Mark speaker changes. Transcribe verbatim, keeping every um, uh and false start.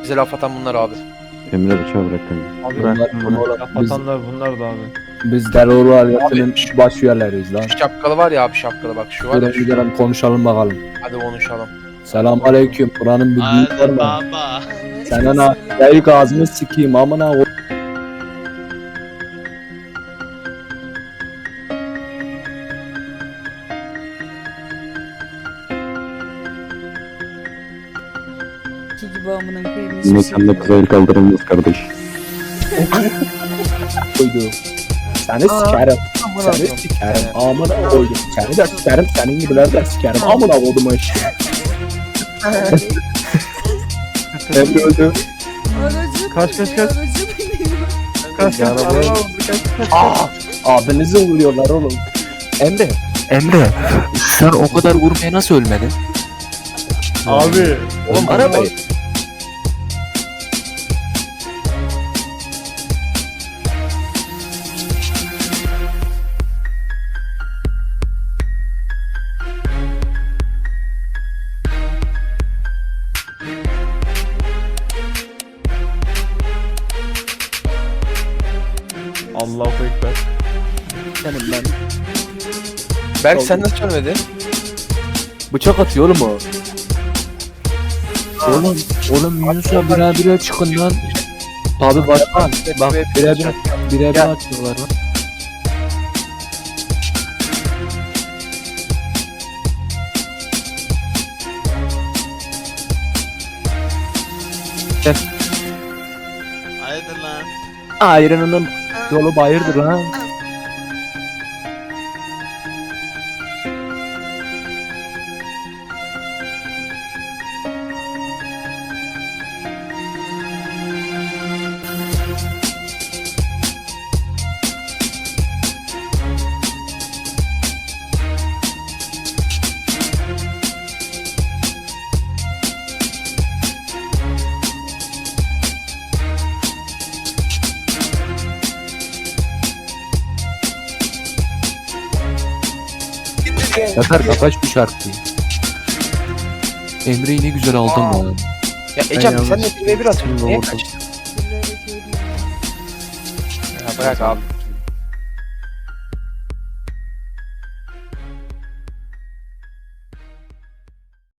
Speaker 1: Bize laf atan bunlar abi.
Speaker 2: Emre bıçağı bırak kanka.
Speaker 3: Abi
Speaker 4: Bırak
Speaker 3: bunlar,
Speaker 4: bunu.
Speaker 3: laf atanlar bunlar da abi.
Speaker 4: Biz terör aletinin baş üyeleriyiz lan.
Speaker 1: Şu şapkalı var ya abi, şapkalı bak şu var ya
Speaker 4: Durun
Speaker 1: şu.
Speaker 4: gidelim konuşalım bakalım.
Speaker 1: Hadi konuşalım.
Speaker 4: Selam aleyküm. Buranın bir büyük var
Speaker 5: Hadi
Speaker 4: mı?
Speaker 5: baba.
Speaker 4: Senin ha. Yayık ağzını sikeyim amına o.
Speaker 6: İki gibi amına koyayım. hiçbir şey
Speaker 2: Mekanda
Speaker 6: yok.
Speaker 2: kıza el kaldırılmaz kardeş.
Speaker 4: Koydu. Seni sikerim. Seni sikerim. Amına koydum. Seni de sikerim. Senin gibiler de sikerim. Amına koydum işte. Emre öldü.
Speaker 6: Aracı
Speaker 3: Kaç, kaç,
Speaker 6: biniyor,
Speaker 3: kaç.
Speaker 6: aracı biniyor.
Speaker 3: Kaç kaç araba vurdu kaç kaç.
Speaker 4: Aa! Abinizi vuruyorlar oğlum.
Speaker 7: Emre, Emre, sen o kadar vurmaya nasıl ölmedin?
Speaker 3: Abi.
Speaker 7: Oğlum arabayı.
Speaker 3: Allahu Ekber.
Speaker 4: Senin ben.
Speaker 1: Berk sen nasıl ölmedin?
Speaker 4: Bıçak atıyor oğlum o.
Speaker 7: Oğlum, oğlum Yunus'a bire bire çıkın lan.
Speaker 4: Abi başkan. Bak bire bire. Bire bire atıyorlar lan.
Speaker 5: Haydi lan.
Speaker 4: Ayrınının yolu bayırdır lan.
Speaker 7: Yeter kapaş bu şarkıyı. Emre'yi ne güzel aldın
Speaker 1: Aa.
Speaker 7: lan.
Speaker 1: Ya Ecem
Speaker 4: Ben
Speaker 1: sen de
Speaker 4: yanlış-
Speaker 1: bir ve bir atıyorsun. Niye
Speaker 4: Vurdum.
Speaker 1: kaçtın?
Speaker 6: Birileri köyden.
Speaker 1: Ya bırak abi.